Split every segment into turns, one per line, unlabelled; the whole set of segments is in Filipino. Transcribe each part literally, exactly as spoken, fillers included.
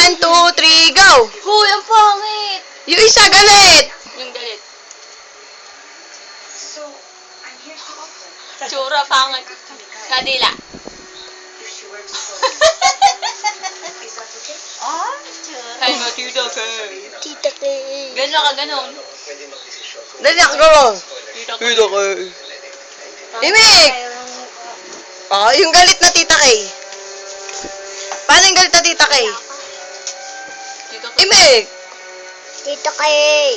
One, two, three, go!
Huy, ang pangit!
Yung isa galit!
Yung galit. Tsura, pangit. Kadila.
Ah, tsura.
Ay, matita ka.
Tita ka.
Gano'n ka, gano'n.
Dali ako, go!
Tita ka.
Tita Kay. Imik! Oh, yung galit na Tita Kay. Paano yung galit na Tita Kay?
Tita ka.
Imik!
Tita kay.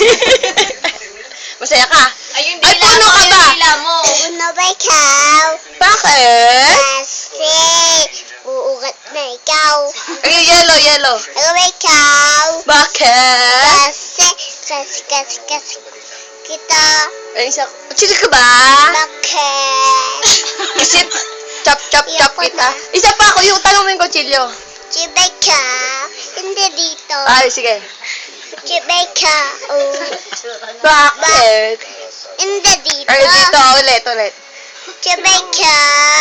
Masaya ka?
Ay, yung
Ay,
dila
puno
mo,
ka
yung
ba?
dila mo.
Una ba ikaw?
Bakit?
Kasi uugat na ikaw.
Ay, yellow, yellow.
Ano ba ikaw?
Bakit?
Kasi, kasi, kasi, kasi, kita.
Ay, isa. Chill ka ba?
Bakit?
Isip. Chop, chop, chop kita. Isa pa ako, yung talong mo yung kutsilyo.
Chibeka. Hindi dito.
Ay, sige.
Chibeka. Oh.
Bakit?
Hindi dito.
Ay, dito, ulit, ulit.
Chibeka.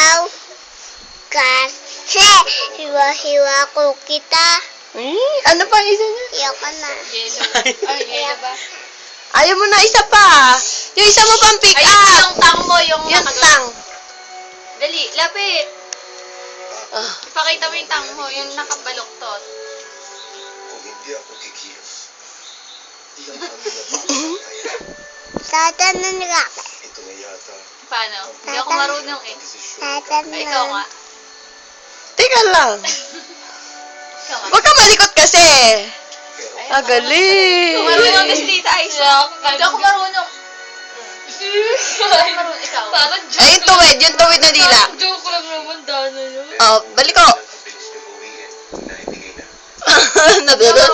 Kasi, hiwa-hiwa ko kita.
Hmm, ano pa ang isa niya?
Iyoko na.
Yellow. Ay, yellow ba?
Ayaw mo na isa pa. Yung isa mo pang pick
Ay,
up.
yung tang mo, yung
Yung
nakagawa.
tang.
Dali, lapit.
Ah.
Ipakita mo yung tang mo, yung nakabaloktot.
Kung hindi ako kikilos, di ang kami
Tatanan ka.
Ito na yata
Paano? Hindi ako marunong eh.
desisyon.
Tatanan.
Ay, ikaw nga.
Teka lang.
Ikaw nga.
Huwag ka malikot kasi.
Ay,
Ah, galing.
marunong din si Tita Aisha. Hindi ako marunong. Hindi ako marunong. Ikaw. Parang
Ay, yung tuwid. Yung tuwid na dila.
joke lang naman, Dana yun.
Oh, balik ko.
Bilis na uwiin na ibigay na.
Nadulot.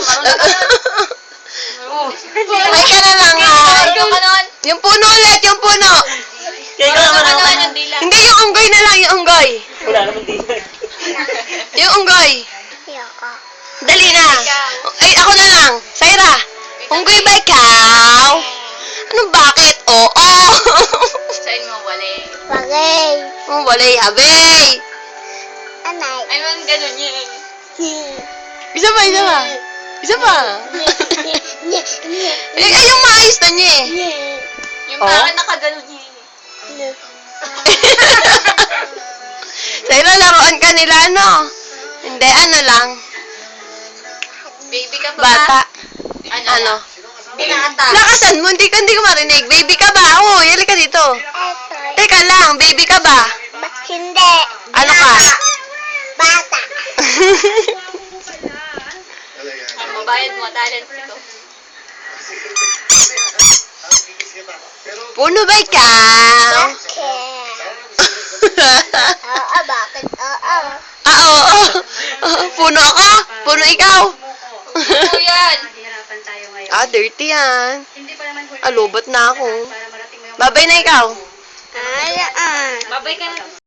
Ay ka na lang, ha?
Ikaw ka nun.
Yung puno ulit, yung puno.
Marunong ka nun yung dila.
Hindi, yung unggoy na lang, yung unggoy.
Wala naman dito.
Yung unggoy.
Iyoko.
Dali na. Ay, ako na lang. Saira, unggoy ba ikaw? Anong bakit? Oo.
Sa'yo mo, wali.
Bagay.
Oh, walay habay.
Anay.
Ay, man, ganun yun.
Isa pa, isa pa. Isa pa. Eh, ay, yung maayos na niya eh.
Yung
Oh?
parang nakaganon yun.
Saira, laruan ka nila, ano? Hindi, ano lang.
Baby ka pa
Bata.
ba? Ano?
Ano?
Binata.
Lakasan mo, hindi ka, hindi ko marinig. Baby ka ba? Oo, yali ka dito.
Eto.
Teka lang, baby ka ba?
Ba- hindi.
Ano ka?
Bata.
Ang mabayad mo, talent ko.
Puno ba ikaw?
Bakit? Oo, bakit? Oo.
Ah, oo. oo. Puno ako? Puno ikaw?
Ano yan?
Ah, dirty yan. Ah, lobot na ako. Babay na ikaw.
Alaan.
Babay ka na.